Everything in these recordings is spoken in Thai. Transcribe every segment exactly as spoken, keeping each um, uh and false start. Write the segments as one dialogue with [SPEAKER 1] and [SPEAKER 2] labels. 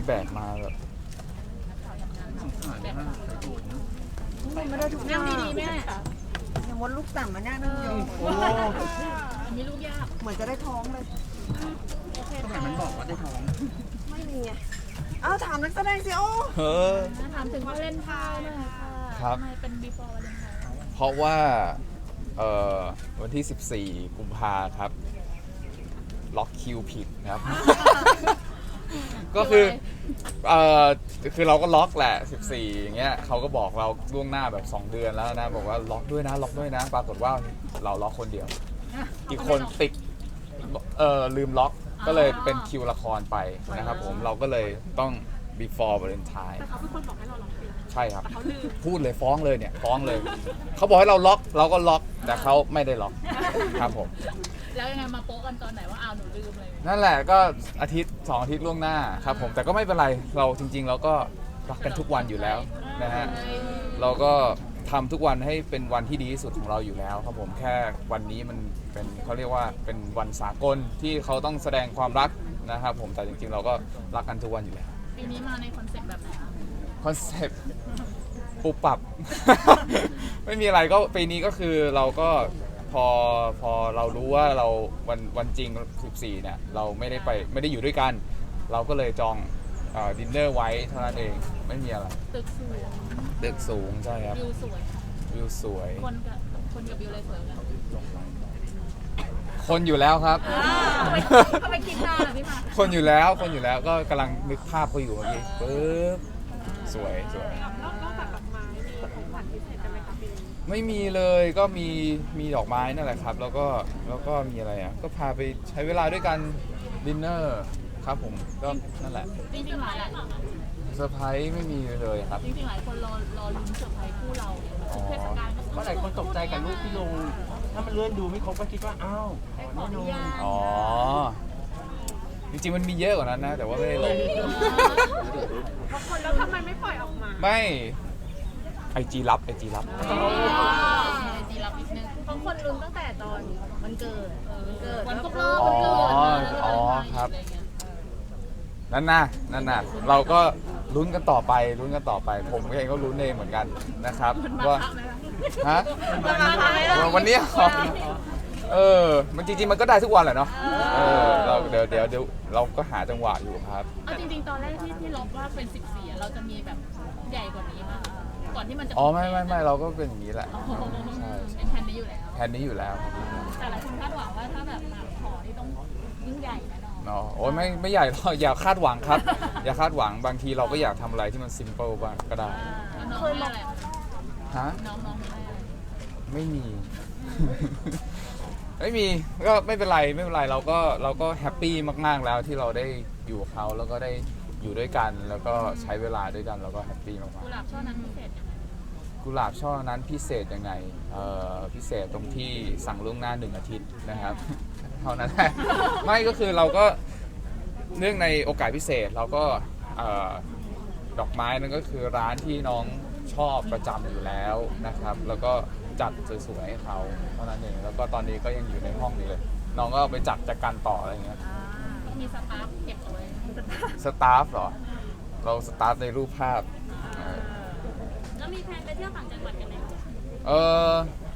[SPEAKER 1] แบกมาแบบ
[SPEAKER 2] สงสารมากใส่ถุง
[SPEAKER 3] ไม่ได้ทุกอย่างดีๆแม่ยังวัดลูกต่างมาแน่นึงอยู่
[SPEAKER 2] โอ้
[SPEAKER 4] อันนี้ลูกยาก
[SPEAKER 3] เหมือนจะได้ท้องเลย
[SPEAKER 2] ทำไมมันบอกว่าได้ท้อง
[SPEAKER 3] ไม่มีไงอ้าวถามนักแสดงสิโอ้
[SPEAKER 1] เออ
[SPEAKER 4] ถามถึงวาเลนไทน์หน่อยค่ะ
[SPEAKER 1] ครับ
[SPEAKER 4] ทำไมเป็น before วาเลนไทน์
[SPEAKER 1] เพราะว่าเอ่อวันที่สิบสี่กุมภาครับ ล็อกคิวผิดครับ ก็คือเอ่อคือเราก็ล็อกแหละสิบสี่อย่างเงี้ยเขาก็บอกเราล่วงหน้าแบบสองเดือนแล้วนะบอกว่าล็อกด้วยนะล็อกด้วยนะ ปรากฏว่าเราล็อกคนเดียว อีกคนติดเอ่อลืมล็อกก็เลยเป็นคิวละครไปนะครับผมเราก็เลยต้อง before Valentine
[SPEAKER 4] แต่เขาเป็นคนบอกให้เราล็อกคิว
[SPEAKER 1] ใช่ครับ
[SPEAKER 4] แต่เขาลืม
[SPEAKER 1] พูดเลยฟ้องเลยเนี่ยฟ้องเลย เขาบอกให้เราล็อกเราก็ล็อกแต่เขาไม่ได้ล็อกครับผม
[SPEAKER 4] แล้วยังไงมาโป๊ะกันตอนไหนว่าอ้าวหนูลืมเลย
[SPEAKER 1] นั่นแหละก็อาทิตย์สองอาทิตย์ล่วงหน้าครับผมแต่ก็ไม่เป็นไรเราจริง ๆ เราก็รักกันทุกวันอยู่แล้วนะฮะเราก็ทำทุกวันให้เป็นวันที่ดีที่สุดของเราอยู่แล้วครับผมแค่วันนี้มันเป็นเขาเรียกว่าเป็นวันสากลที่เขาต้องแสดงความรักนะครับผมแต่จริงๆ เราก็รักกันทุกวันอยู่แล้ว
[SPEAKER 4] ปีนี้มาในคอนเซ็ปต์แบบไหนคะ
[SPEAKER 1] คอนเซ็ปต์ปุบปับ ไม่มีอะไรก็ปีนี้ก็คือเราก็พอพอเรารู้ว่าเราวันวันจริงสิบสี่เนี่ยเราไม่ได้ไปไม่ได้อยู่ด้วยกัน เราก็เลยจองดินเนอร์ไว้เท่านั้นเองไม่มีอะไร
[SPEAKER 4] ตึกสวย
[SPEAKER 1] ตึกสูงใช่ครับ
[SPEAKER 4] วิวสวยค่ะ
[SPEAKER 1] วิวสวย
[SPEAKER 4] คนกับคนกับวิวเลยสวยกัน
[SPEAKER 1] คนอยู่แล้วครับ
[SPEAKER 4] ทำไมคิดนานอ่ะพี่มา
[SPEAKER 1] คนอยู่แล้วคนอยู่แล้วก็กำลังนึกภาพเขาอยู่เมื่อกี้ปึ๊บสวยสวย
[SPEAKER 4] นอกจากดอกไม้มีของขวัญพิเศษกันไหมคะปีนี้
[SPEAKER 1] ไม่มีเลยก็มีมีดอกไม้นั่นแหละครับ แล้วก็แล้วก็มีอะไรอ่ะก็พาไปใช้เวลาด้วยกันดินเนอร์ครับผมก็นั่นแหละ
[SPEAKER 4] จริงๆหลายหลาย
[SPEAKER 1] เซอร์ไพรส์ไม่มีเลยครับ
[SPEAKER 4] จริงๆหลายคนรอรอลุ้นเซอร์ไพรส์คู่เราทุกเทศกาล
[SPEAKER 2] เพราะหลายคนตกใจกับรูปที่ลง ถ้ามันเลื่อนดูไม่ครบก็คิดว่า อ้าวขอแน่นอน
[SPEAKER 1] อ๋อจริงๆมันมีเยอะกว่านั้นนะ แต่ว่าไม่ได้ลง
[SPEAKER 4] บางคนแล้วทำไมไม่ปล่อยออกมา
[SPEAKER 1] ไม่ไอจีรับไอจีรับ
[SPEAKER 4] จีรับนิดนึง
[SPEAKER 5] บางคนลุ้นตั้งแต่ตอนวันเกิดวันเกิด
[SPEAKER 4] วันครบรอบ
[SPEAKER 1] อ๋อ
[SPEAKER 4] วันเกิด
[SPEAKER 1] อ๋อครับ นั่นน่ะนั่นน่ะเราก็ลุ้นกันต่อไปลุ้นกันต่อไป ผมเองก็ลุ้นเองเหมือนกันนะครับว่าฮะ วันนี้เหรอเออ มันจริงๆ มันก็ได้ทุกวันแหละเนาะ เออ เราเดี๋ยวเดี๋ยวเดี๋ยวเราก็หาจังหวะอยู่ครับ
[SPEAKER 4] เอาจริงๆ ตอนแรกที่ที่ล็อกว่าเป็นสิบสี่เราจะมีแบบใหญ่กว่านี้มากก่อนที่มันจะ
[SPEAKER 1] อ๋อ ไม่ไม่ไม่เราก็เป็นอย่างนี้แหละ ใช่
[SPEAKER 4] เป็นแผนนี้อยู่แล้ว
[SPEAKER 1] แทนนี้อยู่แล้ว
[SPEAKER 4] แต่หลายคนคาดหวังว่าถ้าแบบมาขอที่ต้องยิ่งใหญ่แน่นอน
[SPEAKER 1] เนาะโอ้ยไม่ไม่ใหญ่หรอกอย่าคาดหวังครับ อย่าคาดหวัง บางทีเราก็อยากทำอะไรที่มันซิมเปิลบ้างก็ได้
[SPEAKER 4] น้องไม่อะไร
[SPEAKER 1] ฮะ
[SPEAKER 4] น้องน้องไม่อะไร
[SPEAKER 1] ไม่มี ไม่มี ก็ไม่เป็นไรไม่เป็นไร เราก็เราก็แฮปปี้มากๆแล้วที่เราได้อยู่กับเขาแล้วก็ได้อยู่ด้วยกัน แล้วก็ใช้เวลาด้วยกันเราก็แฮปปี้มาก
[SPEAKER 4] กุหลาบช่อนั้นพิเศษยังไง
[SPEAKER 1] ๆกุหลาบช่อนั้นพิเศษยังไงเอ่อพิเศษตรงที่สั่งล่วงหน้าหนึ่งอาทิตย์นะครับ เท่านั้นแหละ ไม่ก็คือเราก็เนื่องในโอกาสพิเศษเราก็เอ่อดอกไม้นั่นก็คือร้านที่น้องชอบประจำอยู่แล้วนะครับ แล้วก็จัดสวยๆให้เขาเท่านั้นเองแล้วก็ตอนนี้ก็ยังอยู่ในห้องนี้เลย น้องก็ไปจัดจัดการต่ออะไรอย่างเงี้ย
[SPEAKER 4] ต้องมีสตาฟเก็บเอาไว้
[SPEAKER 1] สตาฟเหรอ เราสตาฟในรูปภาพเออ
[SPEAKER 4] แล้วมีแพลนไปเที่ยวต่างจังหวัดกันไหม
[SPEAKER 1] เออ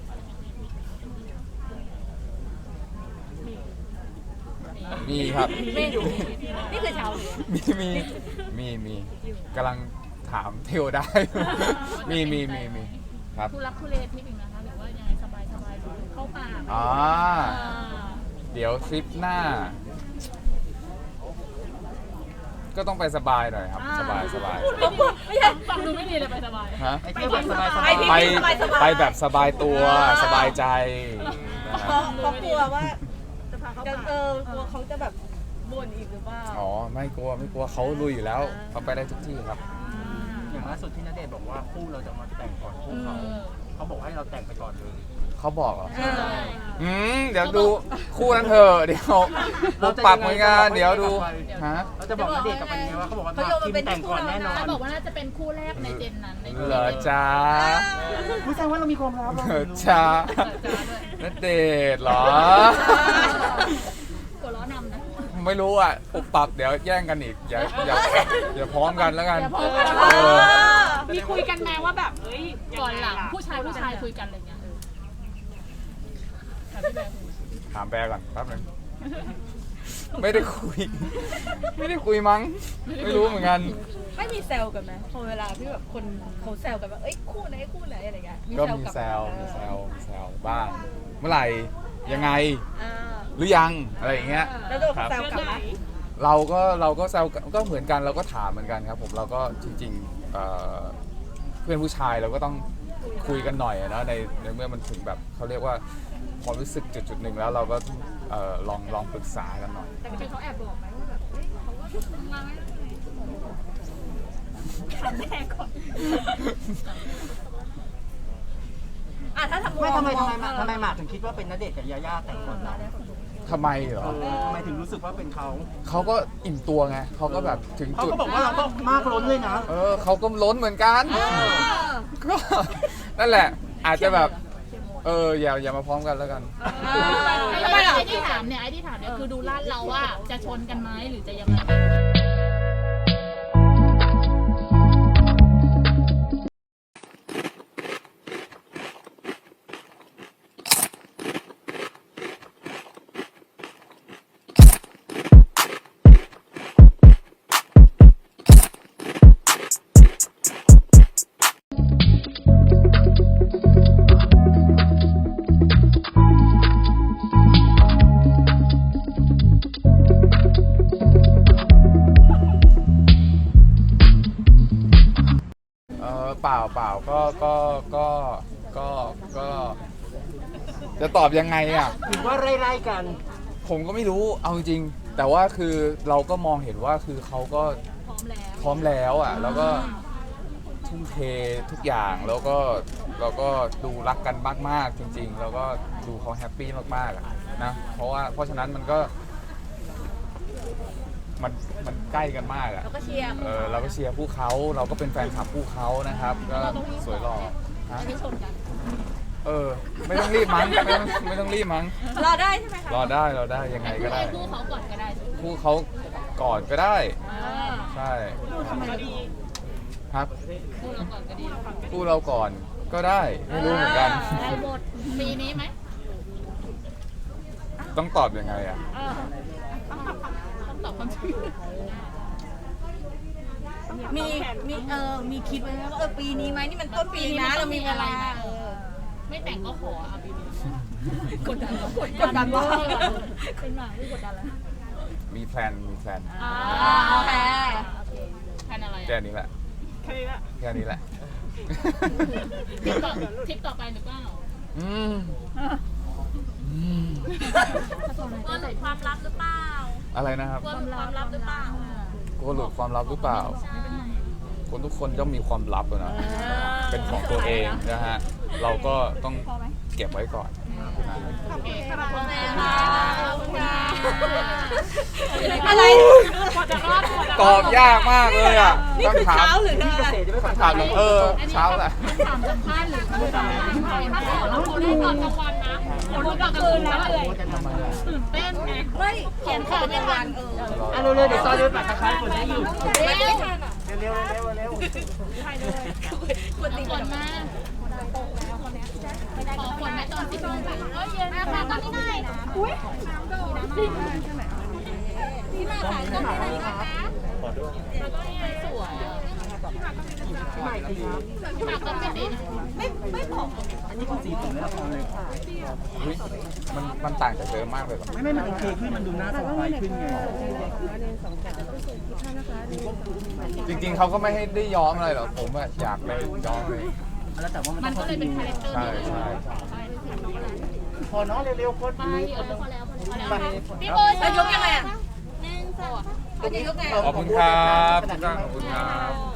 [SPEAKER 1] มีครับ
[SPEAKER 5] ไม่อยู่นี่คือเช้า
[SPEAKER 1] มีมีมีมีกำลังถามเทวได้ มีมีมีมีครับ
[SPEAKER 4] ทุรักทุเลที่เป็นนะคะหรือว่ายังไงสบายสบายเข้าป่า
[SPEAKER 1] อ่าเดี๋ยวทริปหน้า ก็ต้องไปสบายหน่อยครับ สบายสบาย
[SPEAKER 4] ไม่ใช่ฟังดูไม่ดีเลยไปสบาย
[SPEAKER 1] ฮะ
[SPEAKER 2] ไอ้เที่ยวแบบสบาย
[SPEAKER 1] ไปไปแบบสบายตัวสบายใจนะค
[SPEAKER 3] เพ
[SPEAKER 1] รับ
[SPEAKER 3] ราะเพราะกลัวว่า
[SPEAKER 5] จะพาเขา
[SPEAKER 3] จะ
[SPEAKER 5] ไป
[SPEAKER 3] เออกลัวเขาจะแบบบ่นอีกหรือเปล่า
[SPEAKER 1] อ๋อไม่กลัวไม่กลัวเขาลุยอยู่แล้วเขาไปได้ทุกที่ครับ
[SPEAKER 2] ๆอย่างล่าสุดที่ณเดชน์บอกว่าคู่เราจะมาแต่งก่อนคู่เขาเขาบอกให้เราแต่งไปก่อนเลย
[SPEAKER 1] เขาบอกเหรอ
[SPEAKER 3] เออ
[SPEAKER 1] อืมเดี๋ยวดูคู่นั้นเถอะเดี๋ยวเราปรับเหมือนกันเดี๋ยวดูฮะ
[SPEAKER 2] เราจะบอกณเดชน์กับมันยังไงว่าเขาบอกว่าทีมแต่งก่อนแน่นอน
[SPEAKER 4] เขาบอกว่าน่าจะเป็นคู่แรกในเจนนั้นใน
[SPEAKER 1] เหรอจ้า
[SPEAKER 2] ผู้ชายว่าเรามีความลับเรา
[SPEAKER 1] เหร
[SPEAKER 2] ไม่
[SPEAKER 1] อ
[SPEAKER 2] รู้
[SPEAKER 1] จ้า
[SPEAKER 4] จ้าด้วย
[SPEAKER 1] ณเดชน์เหรอ
[SPEAKER 4] หัวล้อนำนะ
[SPEAKER 1] ไไม่รู้อ่ะปุบปับเดี๋ยวแย่งกันอีกอย่าอย่าอย่าพร้อมกันแล้วกัน
[SPEAKER 4] อย่าพร้อมกัน
[SPEAKER 1] เออ
[SPEAKER 6] มีคุยกันแม้ว่าแบบเอ้ย
[SPEAKER 4] ก่อนหลัง
[SPEAKER 6] ยัไะ
[SPEAKER 4] ผู้ชายผู้ชายคุยกันอะไรเงี้ยเออถามพี่แบร์คุย
[SPEAKER 1] ถามแปรก่อนแป๊บนึงไม่ได้คุย ไม่ได้คุยมั้ง ไม่รู้เหมือนกัน
[SPEAKER 5] ไม่มีแซวกันไหมพอเวลาที่แบบคนเขาแซวกันว่าเอ้ยคู่ไหนคู่ไหนอะไรเงี้ย
[SPEAKER 1] ก็มี
[SPEAKER 5] ลับ
[SPEAKER 1] แซวมีแซวมีแซวบ้าง เมื่อไหร่ยังไง
[SPEAKER 5] อ่า
[SPEAKER 1] หรือยังอะไรอย่างเงี้ย
[SPEAKER 5] แล้วโดน
[SPEAKER 1] ครับ
[SPEAKER 5] แซวกลับไหม
[SPEAKER 1] เราก็เราก็แซวก็เหมือนกันเราก็ถามเหมือนกันครับผมเราก็จริงๆเอ่อเพื่อนผู้ชายเราก็ต้องคุยกันหน่อยอะนะในในเมื่อมันถึงแบบเขาเรียกว่าความรู้สึกจุดจุดๆหนึ่งแล้วเราก็เอ่อลองลองปรึกษากันหน่อย
[SPEAKER 5] แต่จริงๆเขาแอบบอกไหมว่าแบบเอ้ยเขาก็ทำงานไม่ได้ทำแม่ก่อนอ่ะถ้าทำ
[SPEAKER 2] ไม่ทำไมทำไม
[SPEAKER 5] อง
[SPEAKER 2] ทำไมหมากถึงคิดว่าเป็นณเดชน์กับยาย่าแต่งก่อนเรา
[SPEAKER 1] ทำไมเหรอ
[SPEAKER 2] เออทำไมถึงรู้สึกว่าเป็นเขา
[SPEAKER 1] เขาก็อิ่มตัวไงเขาก็แบบถึง
[SPEAKER 2] เขา
[SPEAKER 1] จุด
[SPEAKER 2] ก็บอกว่าเราก็มากล้นเลยนะ
[SPEAKER 1] เออเขาก็ล้นเหมือนกันก็นั่นแหละ อาจจะแบบเอออย่าอย่ามาพร้อมกันแล้วกัน
[SPEAKER 4] ไอ้ไอ้ที่ถามเนี่ยไอ้ที่ถามเนี่ยคือดูลาดเราว่าจะชนกันไหมหรือจะยังไง
[SPEAKER 1] เออเปล่าเปล่าก็ก็ก็ก็ก็จะตอบยังไงอ่ะ
[SPEAKER 2] หรือว่าไล่ๆกัน
[SPEAKER 1] ผมก็ไม่รู้เอาจริงๆแต่ว่าคือเราก็มองเห็นว่าคือเขาก็
[SPEAKER 4] พร้อมแล้ว
[SPEAKER 1] พร้อมแล้วอ่ะแล้วก็ทุ่มเททุกอย่างแล้วก็เราก็ดูรักกันมากๆจริง ๆ แล้วก็ดูเขาแฮปปี้มากๆอะนะเพราะว่าเพราะฉะนั้นมันก็ มันมันใกล้กันมากอ่ะ
[SPEAKER 5] เราก็เชียร์
[SPEAKER 1] เออเราก็เชียร์ผู้เขาเราก็เป็นแฟนคลับผู้เขานะครับ ก็สวยหล่อฮะ
[SPEAKER 4] ไม่ชนกัน
[SPEAKER 1] เออ ไม่ต้องรีบมั้งไม่ต้องไม่ต้องรีบมั้ง
[SPEAKER 5] รอได้ใช่ไหมคะ
[SPEAKER 1] รอได้รอได้ยังไงก็ได้
[SPEAKER 4] คู่เขาก่อนก็ได้
[SPEAKER 1] คู่เขาก่อนก็ได้
[SPEAKER 4] อ่า
[SPEAKER 1] ใช่
[SPEAKER 6] ก็ดี
[SPEAKER 1] ครับ
[SPEAKER 4] คู่เราก่อนก็ดี
[SPEAKER 1] คู่เราก่อนก็ได้ไม่รู้เหมือนกัน
[SPEAKER 4] ได้หมดปีนี้ไหม
[SPEAKER 1] ต้องตอบยังไงอ่ะ
[SPEAKER 4] ต้องตอบความจริง
[SPEAKER 5] มีมีเออมีคิดไว้ไหมว่าเออปีนี้ไหมนี่มันต้นปีนะเรามีเวลาเออ
[SPEAKER 4] ไม่แต่งก็ขอเอาปีนี้กดดัน
[SPEAKER 5] กดดันว่า
[SPEAKER 4] เป็นหมาไม่กดดันแล้ว
[SPEAKER 1] มีแพลนมีแพลน
[SPEAKER 5] อ่าโอเค
[SPEAKER 4] แทนอะไร
[SPEAKER 1] แค่นี้แหละ
[SPEAKER 6] แค่นี้ละ
[SPEAKER 1] แค่นี้แหละ
[SPEAKER 4] ทริปต่อทริปต่อไปหรือเปล่า
[SPEAKER 1] อืมอืม
[SPEAKER 5] ก็หลุดความลับหรือเปล่า
[SPEAKER 1] อะไรนะครับ
[SPEAKER 5] กลัวหลุดความลับหรือเปล่าก
[SPEAKER 1] ลัวหลุดความลับหรือเปล่า คนทุกคนย่อมมีความลับอะนะเป็นของตัวเองนะฮะ เราก็ต้องเก็บไว้ก่อนนะ
[SPEAKER 4] โอเคขอบคุณ
[SPEAKER 5] อะไร
[SPEAKER 6] กว่าจะรอดกว่าจะ
[SPEAKER 1] ตอบยากมากเลยอ่ะ
[SPEAKER 5] นี่คือเช้าหรือ
[SPEAKER 2] พี่เกษตรจะไม่ฟัง
[SPEAKER 1] คำถามเออเช้าแหละ
[SPEAKER 4] ถามสัมภาษณ์หรือคำถามถ้าถามแล้วเขาได้ตอนกลางวันนะเขารู้ตอนกลางคืนแล้วเลย
[SPEAKER 1] ทำไมอ่ะ
[SPEAKER 4] ตื่นเต้นไง
[SPEAKER 5] ไม่เขียนข่าวในวันเออ
[SPEAKER 2] อ่ะเร็วๆเดี๋ยวซอยเดินปักตะไคร้กดได้อยู่
[SPEAKER 5] ไม่ไม่ทันอ่ะ
[SPEAKER 2] เร็วๆเร็วๆเร็ว
[SPEAKER 5] ควรตี
[SPEAKER 4] ก่อนมาขอฝนแม่ตอนสิบโมงถึงเอ้ยเย็นนะคะตอนนี้ได้นะอุ้ยพี่มาถ่ายรูปได้ไหมคะสวยอ่ะ
[SPEAKER 2] ๆพี่ใหม่ทีครับ
[SPEAKER 4] พี่มาก็ไม่ดีนะ
[SPEAKER 5] ไม่ไม่ผอม
[SPEAKER 2] อันนี้คือสีผมในละครเลย
[SPEAKER 1] อุ๊ยมันมันต่างจากเดิมมากเลยเหรอ
[SPEAKER 2] ไม่ไม่มันโอเคขึ้นมันดูหน้าสดใสขึ้นไง
[SPEAKER 1] จริงๆเขาก็ไม่ให้ได้ย้อมอะไรหรอกผมอะอยากไปย้อมเลย
[SPEAKER 2] แล้วแต่ว่ามัน
[SPEAKER 4] มั
[SPEAKER 2] ต้
[SPEAKER 4] น
[SPEAKER 2] อง
[SPEAKER 4] ก็เลยเป็นคาแรคเตอร์
[SPEAKER 1] ใช่ใช่
[SPEAKER 2] พอเนาะเร็วๆคน
[SPEAKER 4] ไปเออพอแล้วพอแล้ว
[SPEAKER 2] ไป
[SPEAKER 4] พี่โบ
[SPEAKER 5] แล้วยกยังไงอ่ะหนึ่งสองเขาจะยกไง
[SPEAKER 1] ขอบคุณครับทุกท่านขอบคุณครับ